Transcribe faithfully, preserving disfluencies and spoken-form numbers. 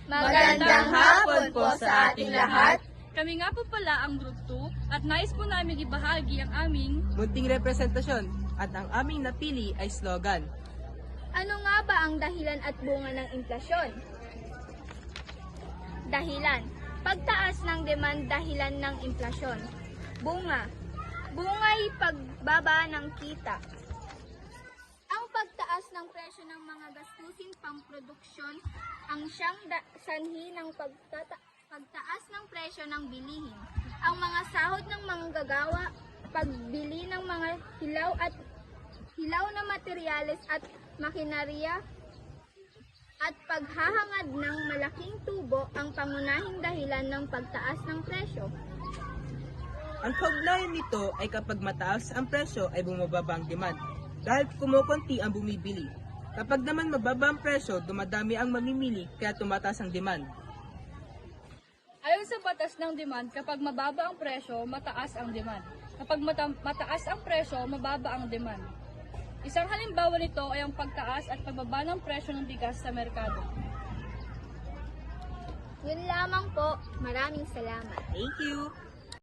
Magandang hapon po sa ating lahat. Kami nga po pala ang Group two at nais po namin ibahagi ang aming munting representasyon at ang aming napili ay slogan. Ano nga ba ang dahilan at bunga ng inflasyon? Dahilan. Pagtaas ng demand dahilan ng inflasyon. Bunga. Bungay pagbaba ng kita. Ang pagtaas ng presyo ng mga gastusin pamproduksyon ang siyang da- sanhi ng pagtata- pagtaas ng presyo ng bilihin. Ang mga sahod ng manggagawa, pagbili ng mga hilaw at hilaw na materyales at makinarya, at paghahangad ng malaking tubo ang pangunahing dahilan ng pagtaas ng presyo. Ang kaugnayan nito ay kapag mataas ang presyo ay bumababa ang demand dahil kumukunti ang bumibili. Kapag naman mababa ang presyo, dumadami ang mamimili kaya tumataas ang demand. ayon sa batas ng demand, kapag mababa ang presyo, mataas ang demand. Kapag mata- mataas ang presyo, mababa ang demand. Isang halimbawa nito ay ang pagtaas at pagbaba ng presyo ng bigas sa merkado. Yun lamang po. Maraming salamat. Thank you!